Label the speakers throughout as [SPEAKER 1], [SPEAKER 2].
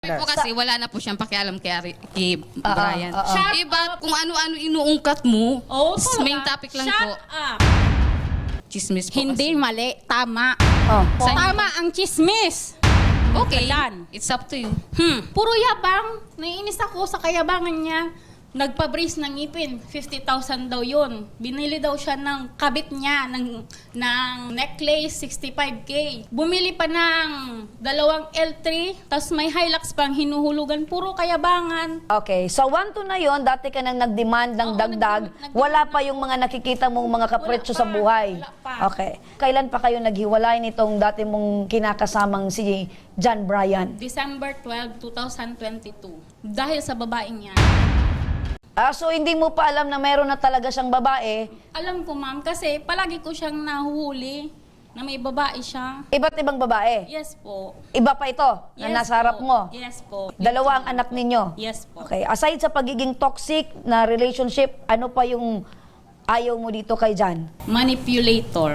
[SPEAKER 1] Po kasi wala na po siyang pakialam kay Brian. Iba kung ano-ano inuungkat mo, main topic lang po. Chismis po
[SPEAKER 2] Hindi
[SPEAKER 1] kasi.
[SPEAKER 2] mali, tama.
[SPEAKER 1] Saan-
[SPEAKER 2] Tama ang chismis.
[SPEAKER 1] Okay,
[SPEAKER 2] Kalan.
[SPEAKER 1] it's up to you.
[SPEAKER 2] Puro yabang. Naiinis ako sa kayabangan niya. Nagpa-brace ng ngipin. 50,000 daw yun. Binili daw siya ng kabit niya ng necklace, 65K. Bumili pa ng dalawang L3, tapos may Hilux pang hinuhulugan. Puro kayabangan.
[SPEAKER 3] Okay, so 1-2 na yon, dati ka nang nag-demand ng
[SPEAKER 2] Oo,
[SPEAKER 3] dagdag,
[SPEAKER 2] nag-demand.
[SPEAKER 3] wala pa yung mga nakikita mong mga kapretsyo sa buhay.
[SPEAKER 2] Wala pa.
[SPEAKER 3] Okay. Kailan pa kayo naghiwalay nitong dati mong kinakasamang si John Brian?
[SPEAKER 2] December 12, 2022. Dahil sa babaeng yan.
[SPEAKER 3] So hindi mo pa alam na meron na talaga siyang babae,
[SPEAKER 2] Alam ko, ma'am, kasi palagi ko siyang nahuhuli na may babae siya.
[SPEAKER 3] iba't ibang babae.
[SPEAKER 2] Yes po.
[SPEAKER 3] Iba pa ito na
[SPEAKER 2] Yes
[SPEAKER 3] nasa harap
[SPEAKER 2] po.
[SPEAKER 3] mo.
[SPEAKER 2] Yes po.
[SPEAKER 3] Dalawa ang anak ninyo.
[SPEAKER 2] Yes po.
[SPEAKER 3] Okay, aside sa pagiging toxic na relationship, ano pa yung ayaw mo dito kay John?
[SPEAKER 2] Manipulator.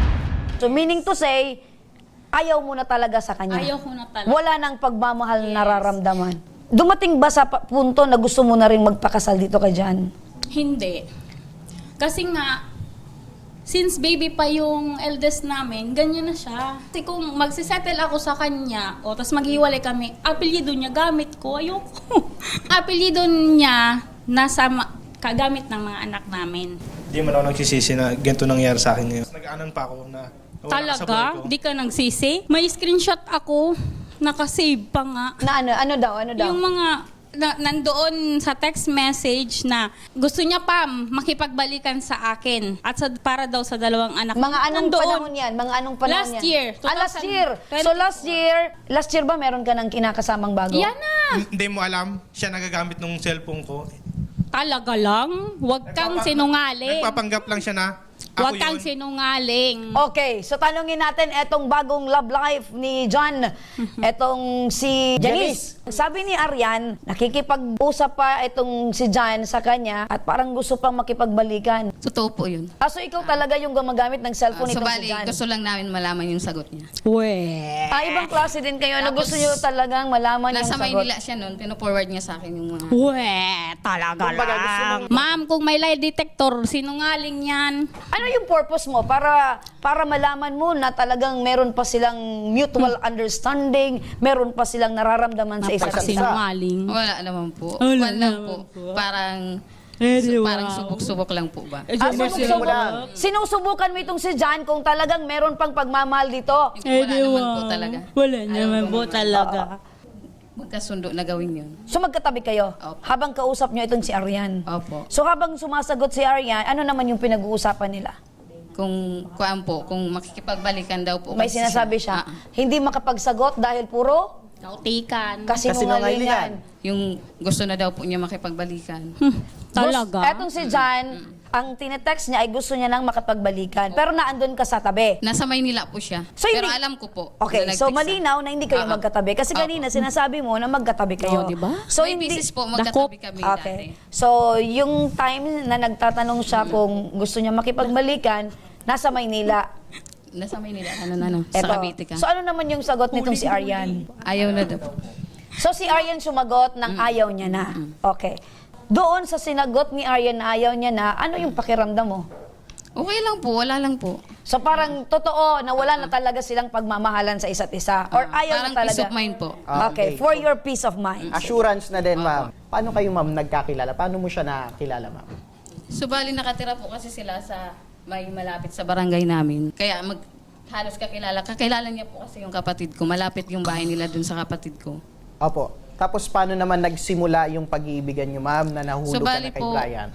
[SPEAKER 3] So meaning to say, ayaw mo na talaga sa kanya.
[SPEAKER 2] Ayaw ko na talaga.
[SPEAKER 3] Wala nang pagmamahal na nararamdaman. Dumating ba sa punto na gusto mo na rin magpakasal dito kay John?
[SPEAKER 2] Hindi. Kasi nga, since baby pa yung eldest namin, ganyan na siya. Kasi kung magsisettle ako sa kanya, o tas maghiwalay kami, apelyido niya gamit ko, ayoko. Apelyido niya nasa kagamit ng mga anak namin.
[SPEAKER 4] Hindi man ako nagsisisi na ganito nangyari sa akin ngayon. Nag-aanan pa ako na nawala ka sa buhay ko.
[SPEAKER 2] Talaga? Di ka nagsisi? May screenshot ako, nakasave pa nga.
[SPEAKER 3] Na ano daw?
[SPEAKER 2] Yung mga nandoon sa text message na gusto niya pa makipagbalikan sa akin at para daw sa dalawang anak.
[SPEAKER 3] Mga anong
[SPEAKER 2] Nandoon.
[SPEAKER 3] panahon yan? Mga anong panahon
[SPEAKER 2] Last
[SPEAKER 3] yan?
[SPEAKER 2] year,
[SPEAKER 3] Last year.
[SPEAKER 2] 2024.
[SPEAKER 3] So last year ba meron ka ng kinakasamang bago?
[SPEAKER 2] Yan na!
[SPEAKER 4] Hindi mo alam, siya nagagamit ng cellphone ko.
[SPEAKER 2] Talaga lang? Huwag kang sinungaling.
[SPEAKER 4] Nagpapanggap lang siya na ako
[SPEAKER 2] Huwag kang
[SPEAKER 4] yun.
[SPEAKER 2] sinungaling.
[SPEAKER 3] Okay, so tanungin natin etong bagong love life ni John, etong si Janice. Sabi ni Arian, nakikipag-usap pa etong si John sa kanya at parang gusto pang makipagbalikan.
[SPEAKER 1] Totoo po yun.
[SPEAKER 3] So ikaw talaga yung gumagamit ng cellphone
[SPEAKER 1] So
[SPEAKER 3] nitong si
[SPEAKER 1] bali,
[SPEAKER 3] John?
[SPEAKER 1] gusto lang namin malaman yung sagot niya.
[SPEAKER 3] Ibang klase din kayo na
[SPEAKER 1] Tapos,
[SPEAKER 3] gusto nyo talagang malaman yung
[SPEAKER 1] Nasa
[SPEAKER 3] sagot.
[SPEAKER 1] Maynila siya noon, pino-forward niya sa akin yung mga...
[SPEAKER 2] Talaga lang. Ma'am, kung may lie detector, sinungaling yan.
[SPEAKER 3] Ano yung purpose mo? Para malaman mo na talagang meron pa silang mutual understanding, meron pa silang nararamdaman sa isa't isa.
[SPEAKER 2] Sinungaling.
[SPEAKER 1] Wala naman po.
[SPEAKER 2] Wala
[SPEAKER 1] Wala lang
[SPEAKER 2] naman
[SPEAKER 1] po. Parang...
[SPEAKER 2] wow.
[SPEAKER 1] parang subok-subok lang po ba?
[SPEAKER 3] Sinusubukan mo itong si John kung talagang meron pang pagmamahal dito.
[SPEAKER 1] Wala naman po talaga.
[SPEAKER 2] Wala
[SPEAKER 1] Ayaw
[SPEAKER 2] naman
[SPEAKER 1] ko
[SPEAKER 2] po
[SPEAKER 1] naman.
[SPEAKER 2] talaga.
[SPEAKER 1] Magkasundo na gawin yun.
[SPEAKER 3] So magkatabi kayo
[SPEAKER 1] Opo.
[SPEAKER 3] habang kausap nyo itong si Arian.
[SPEAKER 1] Opo.
[SPEAKER 3] So habang sumasagot si Arian, ano naman yung pinag-uusapan nila?
[SPEAKER 1] Kung kuan po, kung makikipagbalikan daw po.
[SPEAKER 3] May
[SPEAKER 1] kasi
[SPEAKER 3] sinasabi siya, hindi makapagsagot dahil puro
[SPEAKER 2] Nautikan.
[SPEAKER 3] kasinungalingan.
[SPEAKER 1] Yung gusto na daw po niya makipagbalikan.
[SPEAKER 2] Talaga?
[SPEAKER 3] Etong si John, ang tinetext niya ay gusto niya nang makapagbalikan. Pero naandun ka sa tabi.
[SPEAKER 1] Nasa Maynila po siya.
[SPEAKER 3] So,
[SPEAKER 1] Pero
[SPEAKER 3] hindi-
[SPEAKER 1] alam ko po.
[SPEAKER 3] Okay,
[SPEAKER 1] na
[SPEAKER 3] so
[SPEAKER 1] nag-text siya.
[SPEAKER 3] malinaw na hindi kayo
[SPEAKER 1] Oo.
[SPEAKER 3] magkatabi. Kasi
[SPEAKER 1] Opo.
[SPEAKER 3] kanina sinasabi mo na magkatabi kayo.
[SPEAKER 2] Oh, di ba?
[SPEAKER 3] So
[SPEAKER 1] May
[SPEAKER 3] hindi...
[SPEAKER 1] business po, magkatabi kami
[SPEAKER 3] Okay.
[SPEAKER 1] dati.
[SPEAKER 3] So, yung time na nagtatanong siya kung gusto niya makipagbalikan, nasa Maynila.
[SPEAKER 1] Nasa Maynila, ano, sa
[SPEAKER 3] Eto.
[SPEAKER 1] Cavite ka.
[SPEAKER 3] So, ano naman yung sagot nitong si Arian?
[SPEAKER 1] Ayaw na daw.
[SPEAKER 3] So, si Arian sumagot ng ayaw niya na. Okay. Doon sa sinagot ni Arian na ayaw niya na, ano yung pakiramdam mo?
[SPEAKER 1] Okay lang po, wala lang po.
[SPEAKER 3] So, parang totoo na wala na talaga silang pagmamahalan sa isa't isa? Or ayaw
[SPEAKER 1] Parang
[SPEAKER 3] na talaga?
[SPEAKER 1] peace of mind po.
[SPEAKER 3] Okay, for your peace of mind.
[SPEAKER 5] Assurance na din, ma'am. Paano kayo, ma'am, nagkakilala? Paano mo siya nakilala, ma'am?
[SPEAKER 1] So bali nakatira po kasi sila sa may malapit sa barangay namin. Kaya halos kakilala. Kakilala niya po kasi yung kapatid ko. Malapit yung bahay nila dun sa kapatid ko.
[SPEAKER 5] Opo. Tapos paano naman nagsimula yung pag-iibigan niyo, ma'am, na nahulog
[SPEAKER 1] So
[SPEAKER 5] ka
[SPEAKER 1] bali
[SPEAKER 5] na kay
[SPEAKER 1] po,
[SPEAKER 5] Brian?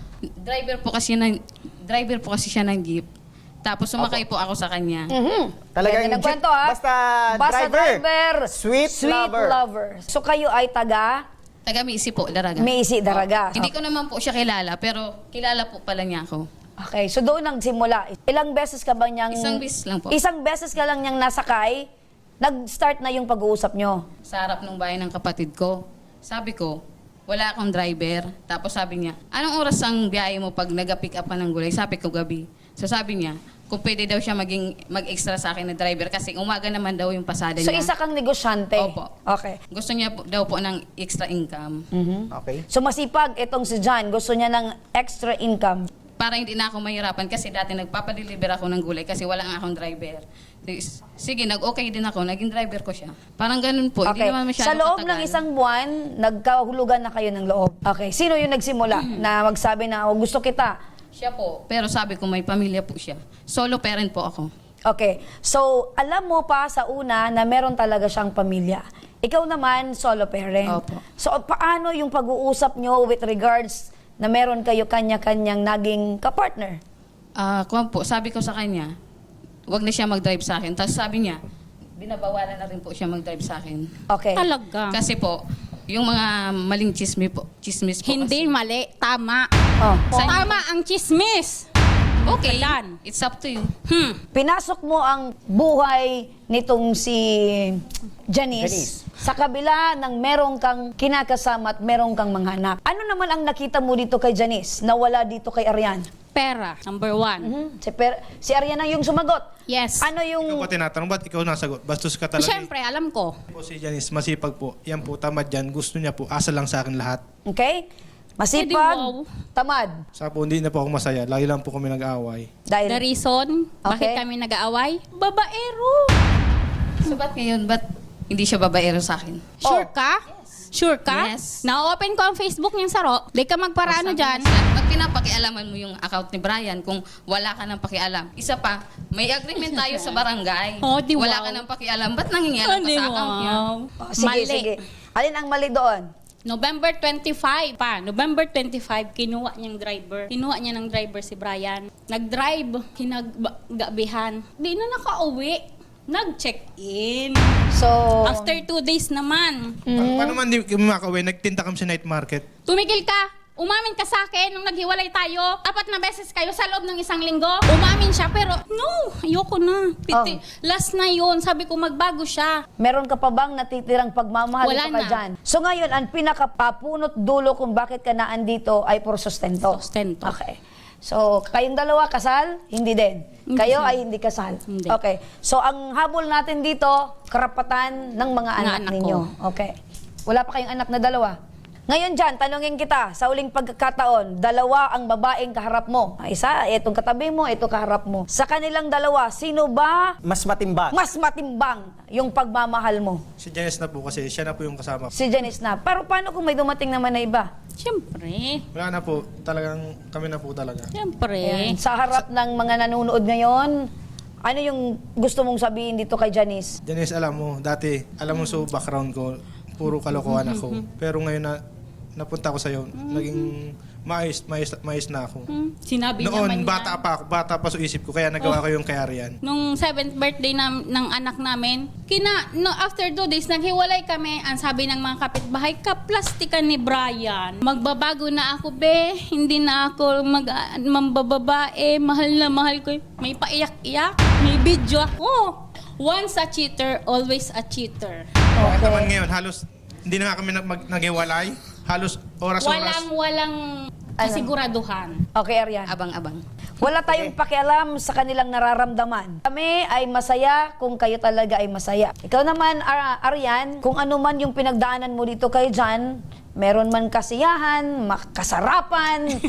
[SPEAKER 1] driver po kasi siya ng jeep. Tapos sumakay po ako sa kanya.
[SPEAKER 5] Talagang
[SPEAKER 3] Ganda ng kwento, ha?
[SPEAKER 5] basta driver. Sweet lover.
[SPEAKER 3] lover. So, kayo ay taga
[SPEAKER 1] Taga Misi po, Daraga.
[SPEAKER 3] Maisi Daraga.
[SPEAKER 1] Hindi ko naman po siya kilala, pero kilala po pala niya ako.
[SPEAKER 3] Okay, so doon nagsimula. Ilang beses ka ba niyang...
[SPEAKER 1] Isang beses lang po.
[SPEAKER 3] Isang beses ka lang niyang nasakay, nag-start na yung pag-uusap niyo.
[SPEAKER 1] Sa harap ng bahay ng kapatid ko. Sabi ko, wala akong driver. Tapos sabi niya, anong oras ang biyahe mo pag nag-pick up ka ng gulay? Sabi ko, gabi. So sabi niya, kung pwede daw siya mag-extra sa akin na driver kasi umaga naman daw yung pasada
[SPEAKER 3] So,
[SPEAKER 1] niya.
[SPEAKER 3] isa kang negosyante?
[SPEAKER 1] Opo.
[SPEAKER 3] Okay.
[SPEAKER 1] Gusto niya daw po ng extra income.
[SPEAKER 5] Okay.
[SPEAKER 3] So, masipag itong si John. Gusto niya ng extra income.
[SPEAKER 1] Para hindi na ako mahirapan kasi dati nagpapadeliver ako ng gulay kasi wala nga akong driver. Sige, nag-okay din ako. Naging driver ko siya. Parang ganun po. Hindi
[SPEAKER 3] Okay.
[SPEAKER 1] naman masyado
[SPEAKER 3] Sa loob
[SPEAKER 1] katagal.
[SPEAKER 3] ng isang buwan, nagkahulugan na kayo ng loob. Okay. Sino yung nagsimula na magsabi na, oh, gusto kita?
[SPEAKER 1] Siya po. Pero sabi ko may pamilya po siya. Solo parent po ako.
[SPEAKER 3] Okay. So, alam mo pa sa una na meron talaga siyang pamilya. Ikaw naman, solo parent.
[SPEAKER 1] Opo.
[SPEAKER 3] So, paano yung pag-uusap nyo with regards na meron kayo kanya-kanyang naging kapartner?
[SPEAKER 1] Kuwan po, sabi ko sa kanya, wag na siya mag-drive sa akin. Tapos sabi niya, binabawalan na rin po siya mag-drive sa akin.
[SPEAKER 3] Okay.
[SPEAKER 2] Talaga.
[SPEAKER 1] Kasi po, yung mga maling chismis po
[SPEAKER 2] Hindi
[SPEAKER 1] kasi.
[SPEAKER 2] mali, tama.
[SPEAKER 3] Oh.
[SPEAKER 2] Tama ang chismis.
[SPEAKER 1] Okay,
[SPEAKER 2] Kalan.
[SPEAKER 1] it's up to you.
[SPEAKER 3] Pinasok mo ang buhay nitong si Janice sa kabila ng merong kang kinakasama at merong kang mga anak. Ano naman ang nakita mo dito kay Janice na wala dito kay Arian?
[SPEAKER 2] Pera, number one.
[SPEAKER 3] Si Arian ang yung sumagot.
[SPEAKER 2] Yes.
[SPEAKER 3] Ano yung...
[SPEAKER 4] Ikaw pa tinatanong, ba't ikaw nasagot? Bastos ka talaga.
[SPEAKER 2] Siyempre, alam ko.
[SPEAKER 4] Po si Janice, masipag po. Yan po, tamad yan. Gusto niya po, asa lang sa akin lahat.
[SPEAKER 3] Okay? Masipag,
[SPEAKER 2] Pwede, wow.
[SPEAKER 3] tamad.
[SPEAKER 4] Sa po, hindi na po ako masaya. Lagi lang po kami nag-aaway.
[SPEAKER 3] Dahil...
[SPEAKER 2] The reason, bakit
[SPEAKER 3] Okay.
[SPEAKER 2] kami nag-aaway? Babaero.
[SPEAKER 1] So ba't ngayon, ba't hindi siya babaero sa akin?
[SPEAKER 2] Sure ka? Sure ka?
[SPEAKER 1] Yes.
[SPEAKER 2] Na-open ko ang Facebook niyang saro. Di ka magparaano dyan.
[SPEAKER 1] Pag pinapakialaman mo yung account ni Brian, kung wala ka ng pakialam. Isa pa, may agreement tayo sa barangay.
[SPEAKER 2] Oh, di
[SPEAKER 1] wala
[SPEAKER 2] wow.
[SPEAKER 1] ka ng pakialam. Ba't nangingialam ka sa account niya?
[SPEAKER 3] Oh, sige,
[SPEAKER 2] Mali.
[SPEAKER 3] sige. Alin ang mali doon?
[SPEAKER 2] November 25 pa. November 25, kinuha niyang driver. Kinuha niya ng driver si Brian. Nag-drive, hinagabihan. Di na nakauwi. Nag-check-in.
[SPEAKER 3] So...
[SPEAKER 2] After 2 days naman.
[SPEAKER 4] Paano man di kami makauwi? Nagtinta kami sa night market.
[SPEAKER 2] Tumigil ka. Umamin ka sa akin nung naghiwalay tayo. 4 na beses kayo sa loob ng 1 linggo. Umamin siya pero no, ayoko na. Piti. Last na yun. Sabi ko magbago siya.
[SPEAKER 3] Meron ka pa bang natitirang pagmamahal
[SPEAKER 2] Wala
[SPEAKER 3] dito kay
[SPEAKER 2] na.
[SPEAKER 3] Jan? So ngayon, ang pinakapapunot dulo kung bakit ka naandito ay puro sustento.
[SPEAKER 2] Sustento.
[SPEAKER 3] Okay. So, kayong dalawa kasal? Hindi din.
[SPEAKER 2] Hindi
[SPEAKER 3] Kayo
[SPEAKER 2] sir.
[SPEAKER 3] ay hindi kasal?
[SPEAKER 2] Hindi.
[SPEAKER 3] Okay. So, ang habol natin dito, karapatan ng mga anak
[SPEAKER 2] anak
[SPEAKER 3] ninyo. Okay. Wala pa kayong anak na dalawa? Ngayon dyan, tanungin kita, sa uling pagkakataon, dalawa ang babaeng kaharap mo. Isa, itong katabi mo, ito kaharap mo. Sa kanilang dalawa, sino ba
[SPEAKER 5] Mas matimbang.
[SPEAKER 3] mas matimbang yung pagmamahal mo?
[SPEAKER 4] Si Janice na po kasi, siya na po yung kasama ko.
[SPEAKER 3] Si Janice na. Pero paano kung may dumating naman na iba?
[SPEAKER 2] Siyempre.
[SPEAKER 4] Wala na po, talagang kami na po talaga.
[SPEAKER 2] Siyempre.
[SPEAKER 3] Ayan. Sa harap ng mga nanonood ngayon, ano yung gusto mong sabihin dito kay Janice?
[SPEAKER 4] Janice, alam mo, dati, alam mo sa background ko, puro kalokohan ako. Pero ngayon na napunta ko sa'yo, naging maayos na ako.
[SPEAKER 2] Sinabi niya man
[SPEAKER 4] Noon, bata pa sa isip ko, kaya nagawa ko yung kay Arian.
[SPEAKER 2] Nung 7th birthday ng anak namin, after 2 days, naghiwalay kami. Ang sabi ng mga kapitbahay, kaplastikan ni Brian. Magbabago na ako, be. Hindi na ako mambababae. Mahal na mahal ko. May paiyak-iyak. May video ako. Once a cheater, always a cheater.
[SPEAKER 4] Bakit naman ngayon, halos, hindi na nga kami naghiwalay. Halos oras-oras.
[SPEAKER 2] Walang kasiguraduhan.
[SPEAKER 3] Okay, Arian.
[SPEAKER 1] Abang-abang.
[SPEAKER 3] Wala tayong pakialam sa kanilang nararamdaman. Kami ay masaya kung kayo talaga ay masaya. Ikaw naman, Arian, kung ano man yung pinagdaanan mo dito kay Jan, meron man kasiyahan, kasarapan.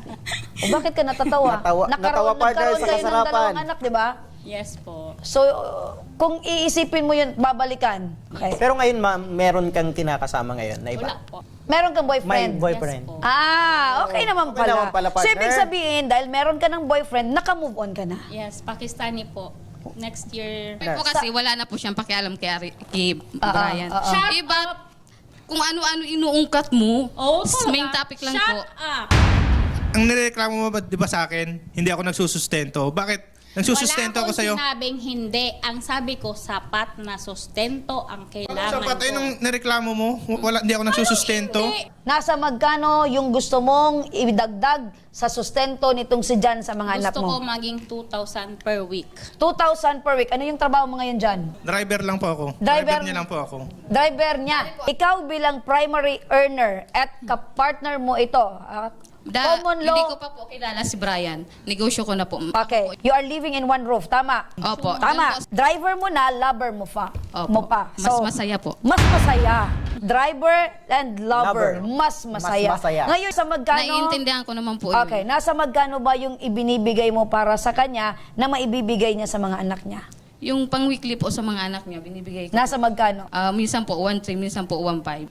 [SPEAKER 3] O bakit ka natatawa?
[SPEAKER 5] Natawa partner
[SPEAKER 3] nagkaroon
[SPEAKER 5] sa
[SPEAKER 3] kayo ng
[SPEAKER 5] kasarapan.
[SPEAKER 3] dalawang anak, di ba?
[SPEAKER 2] Yes po.
[SPEAKER 3] So, kung iisipin mo yun, babalikan. Okay.
[SPEAKER 5] Pero ngayon, ma'am, meron kang kinakasama ngayon na iba?
[SPEAKER 2] Wala po.
[SPEAKER 3] Meron kang
[SPEAKER 5] May
[SPEAKER 3] boyfriend?
[SPEAKER 5] boyfriend.
[SPEAKER 2] Yes po.
[SPEAKER 3] Okay naman
[SPEAKER 5] Okay
[SPEAKER 3] pala.
[SPEAKER 5] naman pala,
[SPEAKER 3] So,
[SPEAKER 5] partner.
[SPEAKER 3] ibig sabihin, dahil meron ka ng boyfriend, naka-move on ka na.
[SPEAKER 2] Yes, Pakistani po. Next year.
[SPEAKER 1] Sabi po kasi wala na po siyang pakialam kay Brian.
[SPEAKER 2] Shut
[SPEAKER 1] Iba, kung ano-ano inuungkat mo,
[SPEAKER 2] Oh,
[SPEAKER 1] main topic lang
[SPEAKER 2] Shut
[SPEAKER 1] po.
[SPEAKER 2] up!
[SPEAKER 4] Ang nireklamo mo ba, di ba sa akin, hindi ako nagsusustento. Bakit? Nagsusustento ako sa'yo.
[SPEAKER 2] Wala akong sinabing hindi. Ang sabi ko, sapat na sustento ang
[SPEAKER 4] Ano
[SPEAKER 2] kailangan
[SPEAKER 4] sa patay
[SPEAKER 2] ko.
[SPEAKER 4] nung nireklamo mo? Wala, hindi ako nagsusustento.
[SPEAKER 2] Hindi.
[SPEAKER 3] Nasa magkano yung gusto mong idagdag sa sustento nitong si Jan sa mga anak
[SPEAKER 2] Gusto ko
[SPEAKER 3] mo?
[SPEAKER 2] maging 2,000 per week.
[SPEAKER 3] 2,000 per week. Ano yung trabaho mo ngayon, Jan?
[SPEAKER 4] Driver lang po ako.
[SPEAKER 3] Driver-
[SPEAKER 4] Driver niya lang po ako.
[SPEAKER 3] Driver niya. Ikaw bilang primary earner at kapartner mo ito, Common law.
[SPEAKER 1] Hindi ko pa po kilala si Brian. Negosyo ko na po.
[SPEAKER 3] Okay. You are living in one roof. Tama.
[SPEAKER 1] Opo.
[SPEAKER 3] Tama.
[SPEAKER 1] Doon po-
[SPEAKER 3] Driver mo na, lover mo pa.
[SPEAKER 1] Opo.
[SPEAKER 3] Mo pa.
[SPEAKER 1] Mas masaya po.
[SPEAKER 3] Mas masaya. Driver and lover.
[SPEAKER 5] Lover.
[SPEAKER 3] Mas masaya.
[SPEAKER 5] Mas masaya.
[SPEAKER 3] Ngayon, sa magkano...
[SPEAKER 1] Naiintindihan ko naman po yun.
[SPEAKER 3] Okay. Nasa magkano ba yung ibinibigay mo para sa kanya na maibibigay niya sa mga anak niya?
[SPEAKER 1] Yung pang-weekly po sa mga anak niya, binibigay ko.
[SPEAKER 3] Nasa magkano?
[SPEAKER 1] Minsan po 1.3, minsan po 1.5.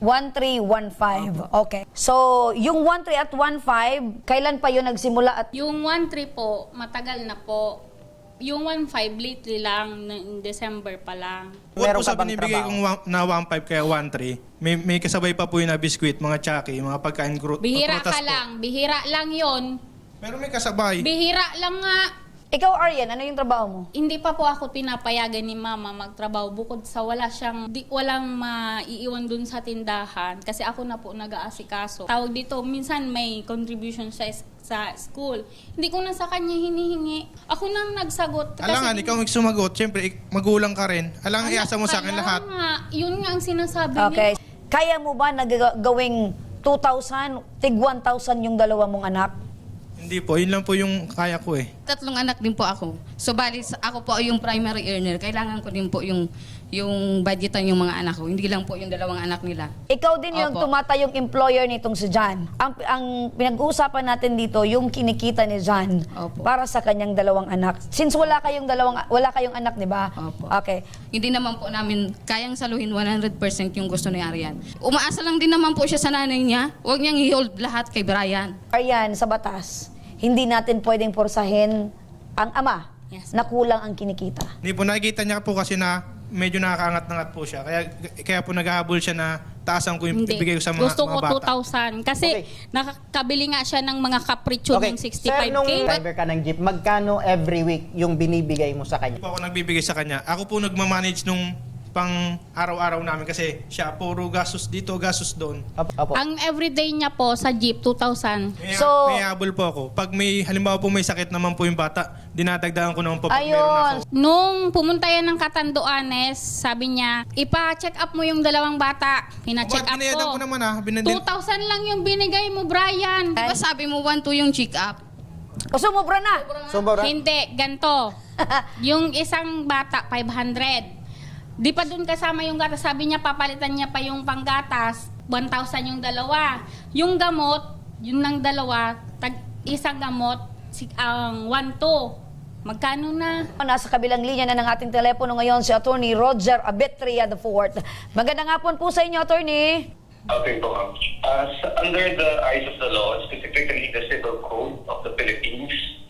[SPEAKER 3] 1,315. Okay. So, yung 1,3 at 1,5, kailan pa yun nagsimula at
[SPEAKER 2] Yung 1.3 po, matagal na po. Yung 1.5, lately lang, in December pa lang.
[SPEAKER 4] Bukod
[SPEAKER 5] Meron
[SPEAKER 4] po
[SPEAKER 5] ka
[SPEAKER 4] sa
[SPEAKER 5] bang
[SPEAKER 4] binibigay
[SPEAKER 5] trabaho?
[SPEAKER 4] kong na 1.5 kaya 1.3, may kasabay pa po yung na biskwit, mga tsaki, mga pagkain
[SPEAKER 2] Bihira
[SPEAKER 4] prutas
[SPEAKER 2] ka
[SPEAKER 4] po.
[SPEAKER 2] lang, bihira lang yon.
[SPEAKER 4] Pero may kasabay.
[SPEAKER 2] Bihira lang nga.
[SPEAKER 3] ikaw, Aryan, ano yung trabaho mo?
[SPEAKER 2] Hindi pa po ako pinapayagan ni mama magtrabaho bukod sa walang maiiwan dun sa tindahan kasi ako na po nag-aasikaso. Tawag dito, minsan may contribution sa school. Hindi ko na sa kanya hinihingi. Ako nang nagsagot.
[SPEAKER 4] Alangan, ikaw ang sumagot. Siyempre, magulang ka rin. Alangan, iasa mo sa akin
[SPEAKER 2] Kaya
[SPEAKER 4] lahat.
[SPEAKER 2] nga, yun nga ang sinasabi
[SPEAKER 3] Okay.
[SPEAKER 2] niya.
[SPEAKER 3] Kaya mo ba nagawing 2,000, tig 1,000 yung dalawa mong anak?
[SPEAKER 4] Hindi po, yun lang po yung kaya ko eh.
[SPEAKER 1] 3 anak din po ako. So bali, ako po yung primary earner. Kailangan ko din po yung budgetan yung mga anak ko. Hindi lang po yung 2 anak nila.
[SPEAKER 3] Ikaw din yung
[SPEAKER 1] Opo.
[SPEAKER 3] tumatayong employer nitong si John. Ang pinag-uusapan natin dito, yung kinikita ni John
[SPEAKER 1] Opo.
[SPEAKER 3] para sa kanyang 2 anak. Since wala kayong anak, di ba?
[SPEAKER 1] Opo.
[SPEAKER 3] Okay.
[SPEAKER 1] Hindi naman po namin kayang saluhin 100% yung gusto ni Arian. Umaasa lang din naman po siya sa nanay niya. Huwag niyang i-hold lahat kay Brian.
[SPEAKER 3] Ayan, sa batas, hindi natin pwedeng porsahin ang ama
[SPEAKER 2] Yes.
[SPEAKER 3] na kulang ang kinikita.
[SPEAKER 4] Hindi po, nakikita niya po kasi na medyo nakakaangat-angat po siya. Kaya po naghahabol siya na taasan ko yung
[SPEAKER 2] Hindi.
[SPEAKER 4] ibigay ko sa mga,
[SPEAKER 2] Gusto ko
[SPEAKER 4] mga bata.
[SPEAKER 2] 2,000. Kasi
[SPEAKER 5] Okay.
[SPEAKER 2] nakakabili nga siya ng mga kapritsyo ng
[SPEAKER 5] Sir,
[SPEAKER 2] 65K.
[SPEAKER 5] nung driver ka ng jeep, magkano every week yung binibigay mo sa
[SPEAKER 4] Hindi
[SPEAKER 5] kanya?
[SPEAKER 4] po ako nagbibigay sa kanya. Ako po nagmamanage nung pang araw-araw namin kasi siya puro gastos dito, gastos doon.
[SPEAKER 5] Opo.
[SPEAKER 2] Ang everyday niya po sa jeep, 2,000.
[SPEAKER 3] So-
[SPEAKER 4] May habol po ako. Pag may, halimbawa po may sakit naman po yung bata, dinadagdagan ko naman po pag meron
[SPEAKER 3] Ayun.
[SPEAKER 4] ako.
[SPEAKER 2] Nung pumunta yan ng Katanduanes, sabi niya, ipa-check up mo yung 2 bata. Pina-check
[SPEAKER 4] Ba't
[SPEAKER 2] up
[SPEAKER 4] binayadan
[SPEAKER 2] ko.
[SPEAKER 4] ko naman ah?
[SPEAKER 2] 2,000 lang yung binigay mo, Brian.
[SPEAKER 1] Di ba sabi mo 1-2 yung check-up?
[SPEAKER 3] O sumobra na.
[SPEAKER 5] Sobra.
[SPEAKER 2] Hindi, ganto. Yung isang bata, 500. Di pa dun kasama yung gatas. Sabi niya, papalitan niya pa yung panggatas. 1,000 yung 2. Yung gamot, yun ng 2, isang gamot, ang 1,2. Magkano na?
[SPEAKER 3] Nasa kabilang linya na ng ating telepono ngayon si Attorney Roger Abetria IV. Magandang hapon po sa inyo, Attorney.
[SPEAKER 6] Okay po, ma'am. Under the eyes of the law, specifically the Civil Code of the Philippines,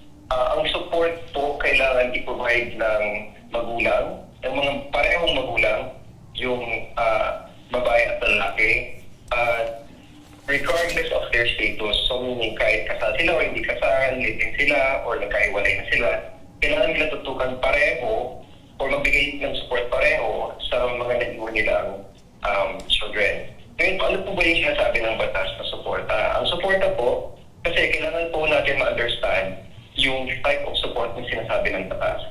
[SPEAKER 6] ang support po kailangan i-provide ng magulang, ng mga parehong magulang, yung babae at lalaki, regardless of their status. So meaning kahit kasal sila o hindi kasal, living sila, or nagkaiwalay na sila, kailangan nila tutukan pareho or magbigay ng support pareho sa mga naiwan nilang children. Ngayon, paano po ba yung sinasabi ng batas na suporta? Ang suporta po, kasi kailangan po natin ma-understand yung type of support na sinasabi ng batas.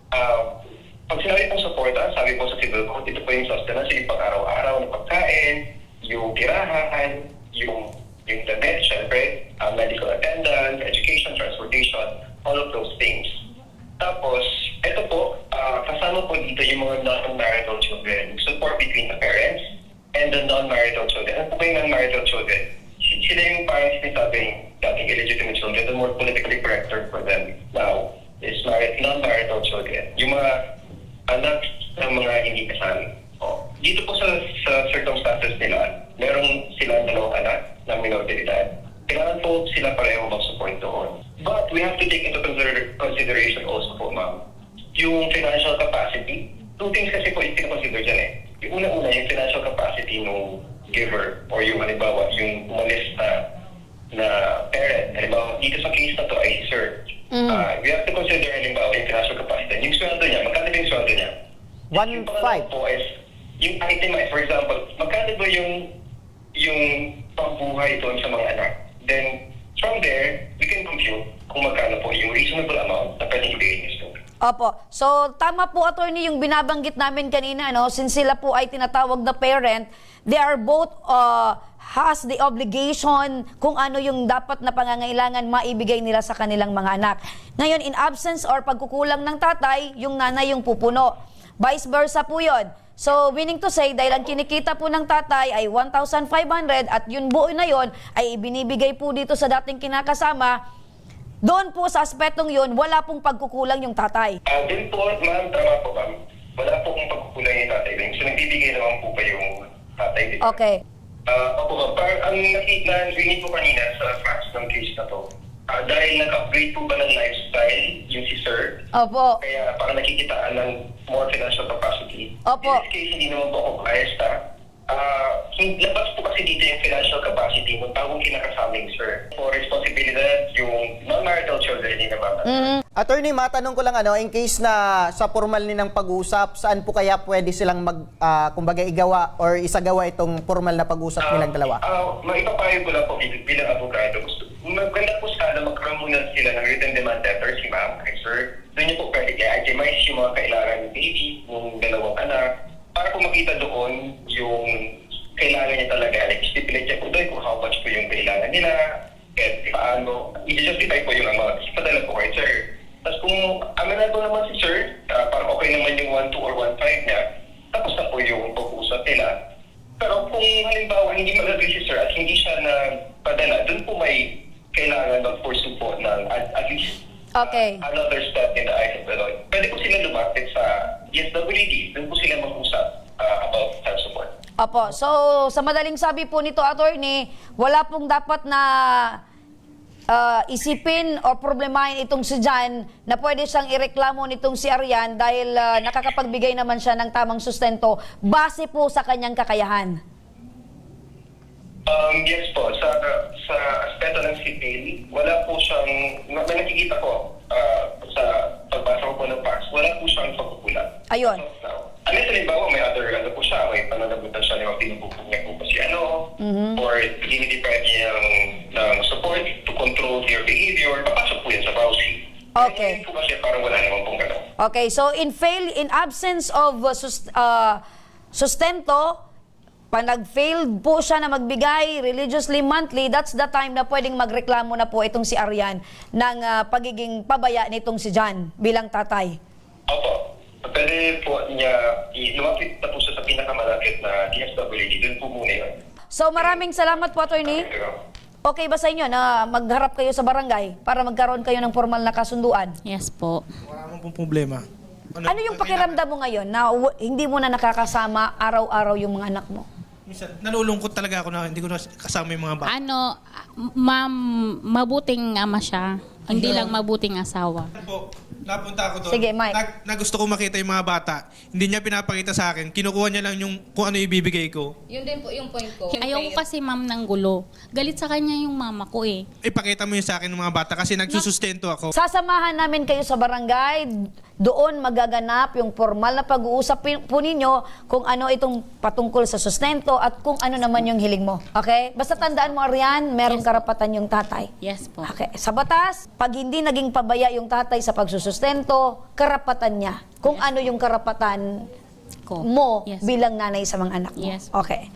[SPEAKER 6] Pag sinabi pong suporta, sabi po sa Civil Code, ito po yung sustenance, yung pang-araw-araw na pagkain, yung tirahan, yung damit, syempre, medical attendance, education, transportation, all of those things. Tapos, ito po, kasama po dito yung mga non-marital children, support between the parents and the non-marital children. Ano po ba yung non-marital children? Sila yung parang sinasabing dating illegitimate children, the more politically correct term for them now is non-marital children. Yung mga anak ng mga hindi kasal. Dito po sa circumstances nila, meron silang 2 anak na minor de edad. Kailangan po sila pareho mag-support doon. But we have to take into consideration also po, ma'am, yung financial capacity. 2 things kasi po i-consider dyan eh. Yung una-una, yung financial capacity ng giver or yung halimbawa, yung umalis na parent. Halimbawa, dito sa case na to ay sir. We have to consider halimbawa yung financial capacity. Yung sweldo niya, magkano ba yung sweldo niya? Yung
[SPEAKER 5] 1,500.
[SPEAKER 6] pangalawa po is, yung itemize, for example, magkano ba yung pambuhay doon sa mga anak? Then, from there, we can compute kung magkano po yung reasonable amount na pwedeng ibigay niyo.
[SPEAKER 3] Opo. So, tama po, attorney, yung binabanggit namin kanina, no? Since sila po ay tinatawag na parent, they are both has the obligation kung ano yung dapat na pangangailangan maibigay nila sa kanilang mga anak. Ngayon, in absence or pagkukulang ng tatay, yung nanay yung pupuno. Vice versa po yun. So, meaning to say, dahil ang kinikita po ng tatay ay 1,500 at yung buo na yon ay ibinibigay po dito sa dating kinakasama, doon po sa aspetong yun, wala pong pagkukulang yung tatay.
[SPEAKER 6] Din po, ma'am, tama po, ma'am. Wala po kung pagkukulang yung tatay. So, nagbibigay naman po pa yung tatay. Diba?
[SPEAKER 3] Okay.
[SPEAKER 6] Opo, ma'am. Ang narinig ko kanina sa facts ng case na to, dahil nag-upgrade po ba ng lifestyle yung si sir,
[SPEAKER 3] Opo.
[SPEAKER 6] kaya para nakikitaan ng more financial capacity.
[SPEAKER 3] Opo.
[SPEAKER 6] In this case, hindi naman po ako biased, labas po kasi dito yung financial capacity ng tawong kinakasaming sir. For responsibilidad, yung non-marital children, hindi naman.
[SPEAKER 5] Attorney, matanong ko lang in case na sa formal nilang pag-usap, saan po kaya pwede silang kumbaga igawa or isagawa itong formal na pag-usap nilang dalawa?
[SPEAKER 6] Maipapayo ko lang po bilang abogado. Maganda po sana magkaroon muna sila ng written demand letter si ma'am, kay sir. Doon niyo po pwede i-itemize yung mga kailangan ng baby, ng dalawang anak, para po makita doon yung kailangan niya talaga. Like, stipulate niya po doon kung how much po yung kailangan nila, at paano, i-justify po yung amount. Ipadala po kay sir. Tapos kung amenable naman si sir, parang okay naman yung 1.2 or 1.5 niya, tapos na po yung pag-usap nila. Pero kung halimbawa hindi mag-agree si sir at hindi siya na padala, doon po may kailangan mag-pursue po ng at least
[SPEAKER 3] Okay.
[SPEAKER 6] another step in the eyes of the law. Pwede po sila lumapit sa DSWD, doon po sila mag-usap about child support.
[SPEAKER 3] Opo. So, sa madaling sabi po nito, attorney, wala pong dapat na isipin o problemahin itong si John na pwede siyang ireklamo nitong si Arian dahil nakakapagbigay naman siya ng tamang sustento base po sa kanyang kakayahan.
[SPEAKER 6] Yes po, sa aspeto ng CPL, wala po siyang, may nakikita ko sa pagbasa ko po ng facts, wala po siyang pagkukulang.
[SPEAKER 3] Ayun.
[SPEAKER 6] Unless halimbawa may other po siya, may pananagutan siya niya, pinupupong niya po ba si or dinideprive niya ng support to control their behavior, papasok po yan sa browsing.
[SPEAKER 3] Okay.
[SPEAKER 6] Hindi po kasi parang wala naman pong gano'n.
[SPEAKER 3] Okay, so in absence of sustento, pag nag-failed po siya na magbigay religiously monthly, that's the time na pwedeng magreklamo na po itong si Arian ng pagiging pabaya nitong si John bilang tatay.
[SPEAKER 6] Opo. Pwede po niya, lumapit na po siya sa pinakamalapit na DSWD, doon po muna yun.
[SPEAKER 3] So maraming salamat po, attorney. Okay ba sa inyo na magharap kayo sa barangay para magkaroon kayo ng formal na kasunduan?
[SPEAKER 2] Yes po.
[SPEAKER 4] Wala naman pong problema.
[SPEAKER 3] Ano yung pakiramdam mo ngayon na hindi mo na nakakasama araw-araw yung mga anak mo?
[SPEAKER 4] Minsan, nalulungkot talaga ako na hindi ko na kasama yung mga bata.
[SPEAKER 2] Ma'am, mabuting ama siya. Hindi lang mabuting asawa.
[SPEAKER 4] Po, napunta ako doon.
[SPEAKER 3] Sige, Mike.
[SPEAKER 4] Na gusto ko makita yung mga bata. Hindi niya pinapakita sa akin. Kinukuha niya lang yung kung ano ibibigay ko.
[SPEAKER 1] Yun din po yung point ko.
[SPEAKER 2] Ayoko kasi ma'am ng gulo. Galit sa kanya yung mama ko eh.
[SPEAKER 4] Ipakita mo yun sa akin ng mga bata kasi nagsusustento ako.
[SPEAKER 3] Sasamahan namin kayo sa barangay. Doon magaganap yung formal na pag-uusap po ninyo kung ano itong patungkol sa sustento at kung ano naman yung hiling mo. Okay? Basta tandaan mo, Arian, merong karapatan yung tatay.
[SPEAKER 2] Yes po.
[SPEAKER 3] Okay. Sa batas, pag hindi naging pabaya yung tatay sa pagsusustento, karapatan niya. Kung ano yung karapatan
[SPEAKER 2] Ko.
[SPEAKER 3] mo
[SPEAKER 2] Yes.
[SPEAKER 3] bilang nanay sa mga anak mo.
[SPEAKER 2] Yes.
[SPEAKER 3] Okay.